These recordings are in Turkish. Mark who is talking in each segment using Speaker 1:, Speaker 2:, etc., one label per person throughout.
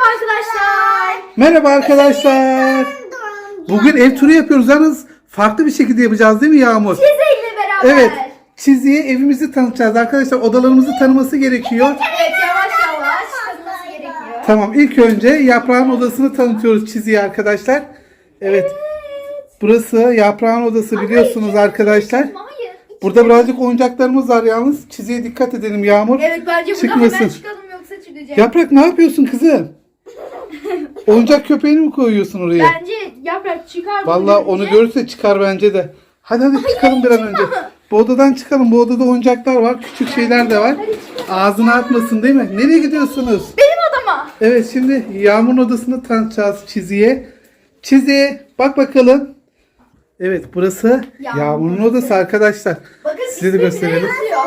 Speaker 1: arkadaşlar.
Speaker 2: Merhaba arkadaşlar. Bugün ev turu yapıyoruz. Yalnız farklı bir şekilde yapacağız değil mi Yağmur?
Speaker 1: Çiziyle beraber.
Speaker 2: Evet. Çiziye evimizi tanıtacağız arkadaşlar. Odalarımızı tanıması gerekiyor.
Speaker 1: Evet, yavaş yavaş tanıması gerekiyor.
Speaker 2: Tamam, ilk önce Yaprağın odasını tanıtıyoruz Çiziye arkadaşlar. Evet. Burası Yaprağın odası biliyorsunuz arkadaşlar.
Speaker 1: Hayır.
Speaker 2: Burada birazcık oyuncaklarımız var yalnız. Çiziye dikkat edelim Yağmur.
Speaker 1: Evet, bence buradan
Speaker 2: Çıkmasın.
Speaker 1: hemen çıkalım yoksa çıkacak.
Speaker 2: Yaprak ne yapıyorsun kızım? Oyuncak köpeğini mi koyuyorsun oraya?
Speaker 1: Bence yaprak çıkar.
Speaker 2: Vallahi onu görürse çıkar bence de. Hadi çıkalım bir an önce. Bu odadan çıkalım. Bu odada oyuncaklar var. Küçük şeyler de var. Ağzına atmasın değil mi? Nereye gidiyorsunuz?
Speaker 1: Benim odama.
Speaker 2: Evet, şimdi Yağmur'un odasını tanıtacağız Çizi'ye. Çizi bak bakalım. Evet, burası Yağmur'un odası arkadaşlar.
Speaker 1: Bakın
Speaker 2: Size de gösterelim.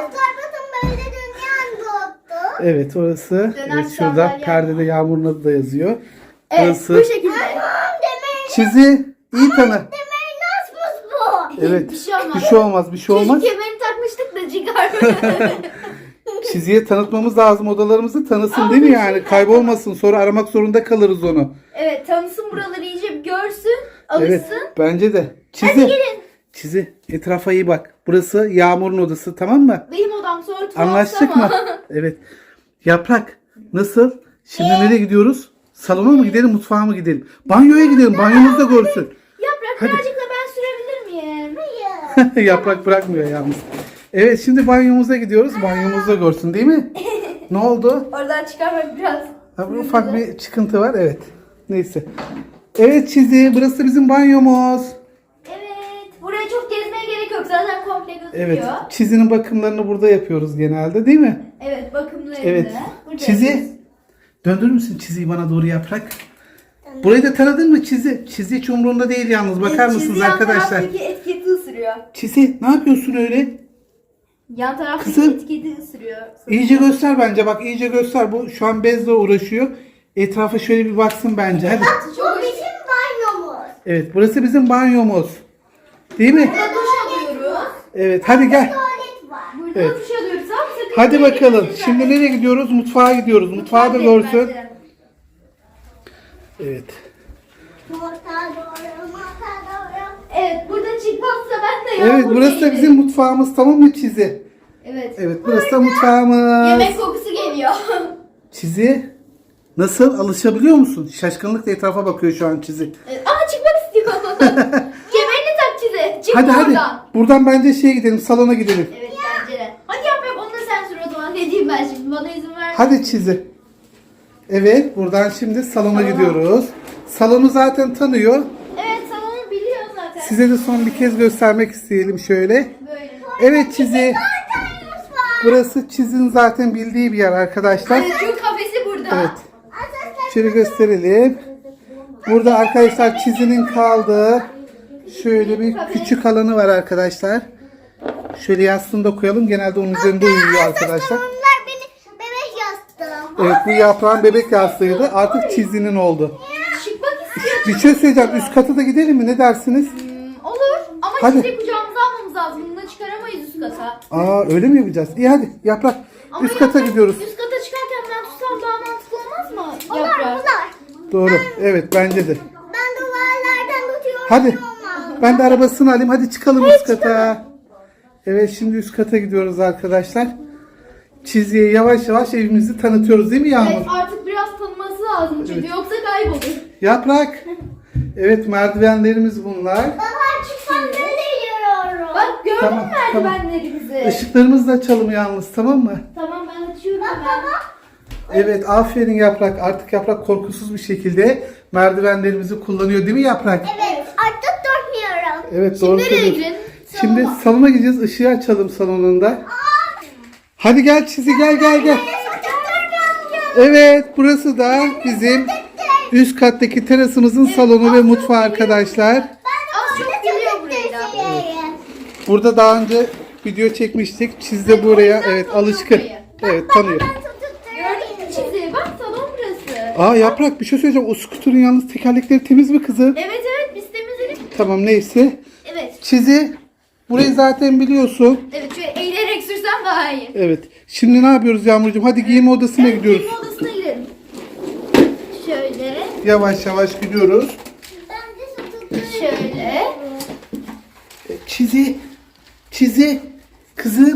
Speaker 2: Evet, orası.
Speaker 1: Dönen
Speaker 2: Evet, şurada
Speaker 1: sandalye.
Speaker 2: perdede Yağmur'un adı da yazıyor.
Speaker 1: Evet,
Speaker 2: Burası.
Speaker 1: bu şekilde.
Speaker 2: Çizi iyi tanı. Evet.
Speaker 1: Bir şey olmaz.
Speaker 2: Bir şey olmaz. Bir şey olmaz.
Speaker 1: Çocuk kemerini takmıştık da çıkarmadı.
Speaker 2: Çiziye tanıtmamız lazım. Odalarımızı tanısın değil mi yani? Kaybolmasın. Sonra aramak zorunda kalırız onu.
Speaker 1: Evet, tanısın buraları, iyice bir görsün, alışsın.
Speaker 2: Evet. Bence de.
Speaker 1: Hadi
Speaker 2: Çizi.
Speaker 1: gelin.
Speaker 2: Çizi. Etrafa iyi bak. Burası Yağmur'un odası, tamam mı?
Speaker 1: Benim odam sonra tuhaf
Speaker 2: Anlaştık
Speaker 1: ama.
Speaker 2: mı? Evet. Yaprak. Nasıl? Şimdi nereye gidiyoruz? Salona mı gidelim, mutfağa mı gidelim? Banyoya gidelim. Banyomuzu da görsün.
Speaker 1: Yaprak,
Speaker 2: Hadi.
Speaker 1: birazcık da ben sürebilir miyim? Hayır.
Speaker 2: Yaprak bırakmıyor yalnız. Evet, şimdi banyomuza gidiyoruz. Banyomuzda görsün değil mi? Ne oldu?
Speaker 1: Oradan çıkarmak biraz.
Speaker 2: Ha, bir ufak bir çıkıntı var. Evet. Neyse. Evet Çizi. Burası bizim banyomuz.
Speaker 1: Evet. Buraya çok gezmeye gerek yok. Zaten komple gözüküyor.
Speaker 2: Evet. Çizi'nin bakımlarını burada yapıyoruz genelde değil mi?
Speaker 1: Evet, bakımlı
Speaker 2: Evet.
Speaker 1: evde. Burada
Speaker 2: Çizi.
Speaker 1: yapıyoruz.
Speaker 2: Döndürür müsün Çizi'yi bana doğru Yaprak? Burayı da tanıdın mı Çizi? Çizi hiç umurunda değil yalnız. Bakar
Speaker 1: Çizi
Speaker 2: mısınız
Speaker 1: yan
Speaker 2: arkadaşlar?
Speaker 1: taraftaki etiketi ısırıyor.
Speaker 2: Çizi ne yapıyorsun öyle?
Speaker 1: Yan taraftaki
Speaker 2: Kızım.
Speaker 1: etiketi ısırıyor.
Speaker 2: İyice göster bence. Bak iyice göster. Bu şu an bezle uğraşıyor. Etrafa şöyle bir baksın bence. Hadi.
Speaker 1: Çok
Speaker 2: Evet, burası bizim banyomuz. Değil mi?
Speaker 1: Burada duş alıyoruz.
Speaker 2: Evet, hadi gel.
Speaker 1: Burada
Speaker 2: Evet.
Speaker 1: duş alıyoruz. Ama sakın
Speaker 2: Hadi
Speaker 1: nereye
Speaker 2: bakalım.
Speaker 1: gidiyorsun
Speaker 2: Şimdi
Speaker 1: zaten?
Speaker 2: nereye gidiyoruz? Mutfağa gidiyoruz. Mutfağı da
Speaker 1: Mutfağa
Speaker 2: görsün.
Speaker 1: bence.
Speaker 2: Evet.
Speaker 1: Evet, burada çıkmazsa ben de
Speaker 2: Evet,
Speaker 1: yağmur
Speaker 2: burası da
Speaker 1: değilim.
Speaker 2: bizim mutfağımız, tamam mı Çizi?
Speaker 1: Evet.
Speaker 2: Evet, burası da mutfağımız.
Speaker 1: Yemek kokusu geliyor.
Speaker 2: Çizi, nasıl? Alışabiliyor musun? Şaşkınlıkla etrafa bakıyor şu an Çizi.
Speaker 1: Evet. Aa, çıkmak istiyor. Kemerini tak Çize. Çık
Speaker 2: Hadi
Speaker 1: oradan.
Speaker 2: hadi. Buradan bence şeye gidelim, salona gidelim.
Speaker 1: Evet, bence de. Hadi yaprak, onu da sen sür o zaman. Ne diyeyim ben şimdi? Bana izin ver.
Speaker 2: Hadi Çizi. Evet, buradan şimdi salona
Speaker 1: Salona.
Speaker 2: gidiyoruz. Salonu zaten tanıyor.
Speaker 1: Evet, salonu biliyor zaten.
Speaker 2: Size de son bir kez göstermek isteyelim şöyle.
Speaker 1: Böyle.
Speaker 2: Evet Çizi. Burası Çizi'nin zaten bildiği bir yer arkadaşlar.
Speaker 1: Evet, çünkü kafesi burada.
Speaker 2: Evet. Şöyle gösterelim. Burada arkadaşlar Çizi'nin kaldığı şöyle bir küçük alanı var arkadaşlar. Şöyle yastığını da koyalım. Genelde onun üzerinde uyuyor arkadaşlar. Evet, bu Yaprağın bebek yastığıydı. Artık Çizi'nin oldu.
Speaker 1: Çıkmak istiyor.
Speaker 2: Bir şey söyleyeceğim. Üst kata da gidelim mi? Ne dersiniz?
Speaker 1: Olur ama
Speaker 2: Hadi.
Speaker 1: Çize'yi kucağımıza almamız lazım. Bunu da çıkaramayız üst kata.
Speaker 2: Aa, öyle mi yapacağız? İyi hadi Yaprak.
Speaker 1: Ama
Speaker 2: Üst kata
Speaker 1: yaprak,
Speaker 2: gidiyoruz.
Speaker 1: Üst kata çıkarken ben tutsam daha mantıklı olmaz mı? Yaprak.
Speaker 2: Doğru. Evet, bence de. Hadi. Ben de arabasını alayım. Hadi çıkalım üst kata. Evet, şimdi üst kata gidiyoruz arkadaşlar. Çiziye yavaş yavaş evimizi tanıtıyoruz değil mi Yağmur?
Speaker 1: Evet, artık biraz tanıması lazım çünkü yoksa kaybolur.
Speaker 2: Yaprak. Evet, merdivenlerimiz bunlar.
Speaker 1: Bak, gördün
Speaker 2: Tamam,
Speaker 1: mü merdivenlerimizi?
Speaker 2: Işıklarımızı da açalım yalnız, tamam mı?
Speaker 1: Tamam, ben açıyorum hemen.
Speaker 2: Evet, aferin Yaprak. Artık Yaprak korkusuz bir şekilde merdivenlerimizi kullanıyor değil mi Yaprak? Evet, doğru
Speaker 1: Nereye
Speaker 2: söylüyorsun.
Speaker 1: gidelim?
Speaker 2: Şimdi salona gideceğiz. Işığı açalım salonunda. Hadi gel Çizi, gel. Evet, burası da bizim üst kattaki terasımızın salonu ve mutfağı arkadaşlar.
Speaker 1: Az çok biliyor burayı da.
Speaker 2: Burada daha önce video çekmiştik. Çiz de buraya alışkın. Evet, tanıyor.
Speaker 1: Gördün mü Çizi? Bak, salon burası.
Speaker 2: Aa Yaprak, bir şey söyleyeceğim. O skuterın yalnız tekerlekleri temiz mi kızım?
Speaker 1: Evet, biz temizledik.
Speaker 2: Tamam, neyse.
Speaker 1: Evet.
Speaker 2: Çizi, burayı zaten biliyorsun.
Speaker 1: Evet, şöyle eğilerek sürsem daha iyi.
Speaker 2: Evet. Şimdi ne yapıyoruz Yağmurcuğum? Hadi giyinme odasına gidiyoruz.
Speaker 1: Giyinme odasına gidelim. Şöyle.
Speaker 2: Yavaş yavaş gidiyoruz.
Speaker 1: Şöyle.
Speaker 2: Çizi. Kızım.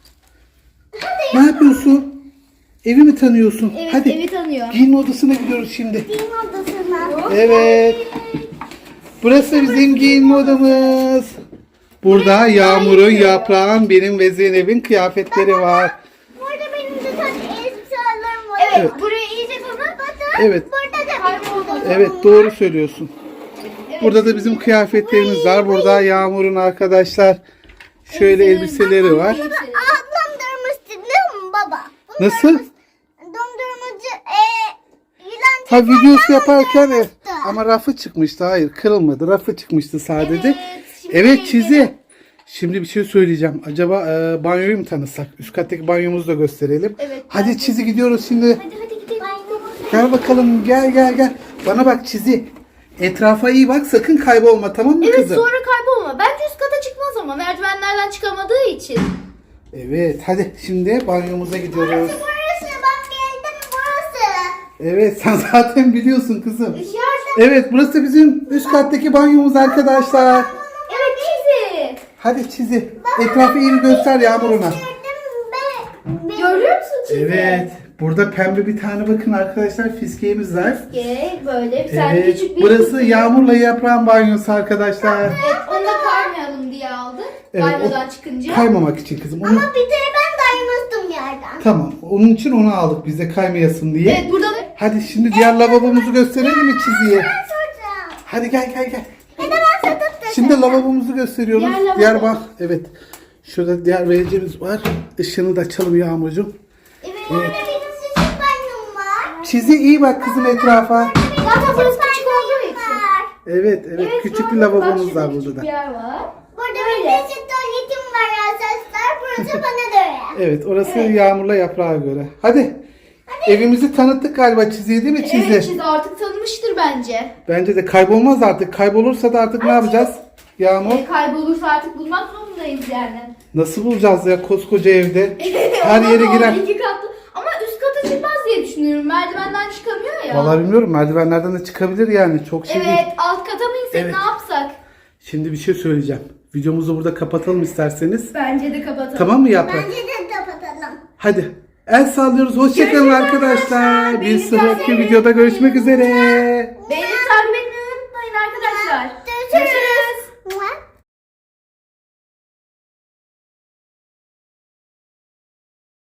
Speaker 2: Ne yapıyorsun? Evi mi tanıyorsun?
Speaker 1: Evet,
Speaker 2: Hadi.
Speaker 1: evi tanıyor.
Speaker 2: Giyinme odasına gidiyoruz şimdi.
Speaker 1: Giyinme odasına.
Speaker 2: Evet. Burası bizim giyinme odamız. Burada Yağmur'un, Yaprağın, benim ve Zeynep'in kıyafetleri var.
Speaker 1: Burada benim de elbiselerim var. Evet,
Speaker 2: Evet.
Speaker 1: burayı iyice tanı.
Speaker 2: Evet.
Speaker 1: Burada da kayboldu.
Speaker 2: Evet, doğru söylüyorsun. Burada da bizim kıyafetlerimiz var. Burada Yağmur'un arkadaşlar şöyle elbiseleri var.
Speaker 1: Ablam dondurmuştu değil mi baba?
Speaker 2: Nasıl?
Speaker 1: Dondurmacı yılan
Speaker 2: Ha, videosu yaparken ama rafı çıkmıştı. Hayır, kırılmadı. Rafı çıkmıştı sadece. Evet, Çizi. Şimdi bir şey söyleyeceğim. Acaba banyoyu mu tanısak? Üst kattaki banyomuzu da gösterelim.
Speaker 1: Evet,
Speaker 2: Hadi Çizi, gidiyoruz şimdi.
Speaker 1: Hadi gidelim.
Speaker 2: Gel bakalım, gel. Bana bak Çizi. Etrafa iyi bak, sakın kaybolma, tamam mı
Speaker 1: Evet,
Speaker 2: kızım?
Speaker 1: sonra kaybolma. Bence üst kata çıkmaz ama merdivenlerden çıkamadığı için.
Speaker 2: Evet, hadi şimdi banyomuza gidiyoruz.
Speaker 1: Burası bak, geldim burası.
Speaker 2: Evet, sen zaten biliyorsun kızım.
Speaker 1: Yardım.
Speaker 2: Evet, burası bizim üst kattaki banyomuz arkadaşlar.
Speaker 1: Evet, Çizi.
Speaker 2: Hadi Çizi. Etrafı iyi bir göster Yağmur'una.
Speaker 1: Görüyor musun Çizi?
Speaker 2: Evet. Burada pembe bir tane bakın arkadaşlar fiskeyimiz var.
Speaker 1: Böyle bir tane
Speaker 2: Evet.
Speaker 1: küçük bir...
Speaker 2: Burası Yağmur'la Yaprağın banyosu arkadaşlar.
Speaker 1: Evet, onu da kaymayalım diye aldık.
Speaker 2: Evet,
Speaker 1: Banyodan çıkınca.
Speaker 2: Kaymamak için kızım. Onu...
Speaker 1: Bir de ben kaymıştım yerden.
Speaker 2: Tamam. Onun için onu aldık biz de kaymayasın diye.
Speaker 1: Evet, burada da...
Speaker 2: Hadi şimdi diğer lavabomuzu gösterelim mi Çizi'ye?
Speaker 1: soracağım.
Speaker 2: Hadi gel.
Speaker 1: Neden ben satıp
Speaker 2: Şimdi lavabomuzu gösteriyoruz.
Speaker 1: Diğer lavabo.
Speaker 2: bak. Evet. Şurada diğer vericimiz var. Işığını da açalım Yağmurcuğum.
Speaker 1: Evet, burada benim küçük banyom var.
Speaker 2: Çizi iyi bak kızım etrafa.
Speaker 1: Zaten burası küçük olduğu için.
Speaker 2: Evet. Küçük bir lavabomuz var burada da.
Speaker 1: Bir yer var. Burada bir küçük tuvaletim var arkadaşlar. Burası bana göre.
Speaker 2: Evet, orası Yağmur'la Yaprağa göre. Hadi. Evimizi tanıttık galiba Çizi'ye, değil mi Çizi?
Speaker 1: Evet, Çizi artık tanımıştır bence.
Speaker 2: Bence de kaybolmaz artık. Kaybolursa da artık ne yapacağız? Yağmur.
Speaker 1: Kaybolursa artık bulmak zorundayız yani.
Speaker 2: Nasıl bulacağız ya koskoca evde? Her yere
Speaker 1: Ama
Speaker 2: giren.
Speaker 1: 2 katlı. Ama üst kata çıkmaz diye düşünüyorum. Merdivenden çıkamıyor ya.
Speaker 2: Vallahi bilmiyorum, merdivenlerden de çıkabilir yani. Çok şey değil.
Speaker 1: Evet, alt kata mı insek,
Speaker 2: Evet.
Speaker 1: ne yapsak?
Speaker 2: Şimdi bir şey söyleyeceğim. Videomuzu burada kapatalım isterseniz.
Speaker 1: Bence de kapatalım.
Speaker 2: Tamam mı Yaprak?
Speaker 1: de kapatalım.
Speaker 2: Hadi. El sallıyoruz. Hoşçakalın
Speaker 1: Görüşürüz
Speaker 2: arkadaşlar.
Speaker 1: arkadaşlar.
Speaker 2: Bir
Speaker 1: Beni
Speaker 2: sonraki
Speaker 1: takip
Speaker 2: videoda
Speaker 1: etmeyi
Speaker 2: görüşmek üzere.
Speaker 1: Beğenip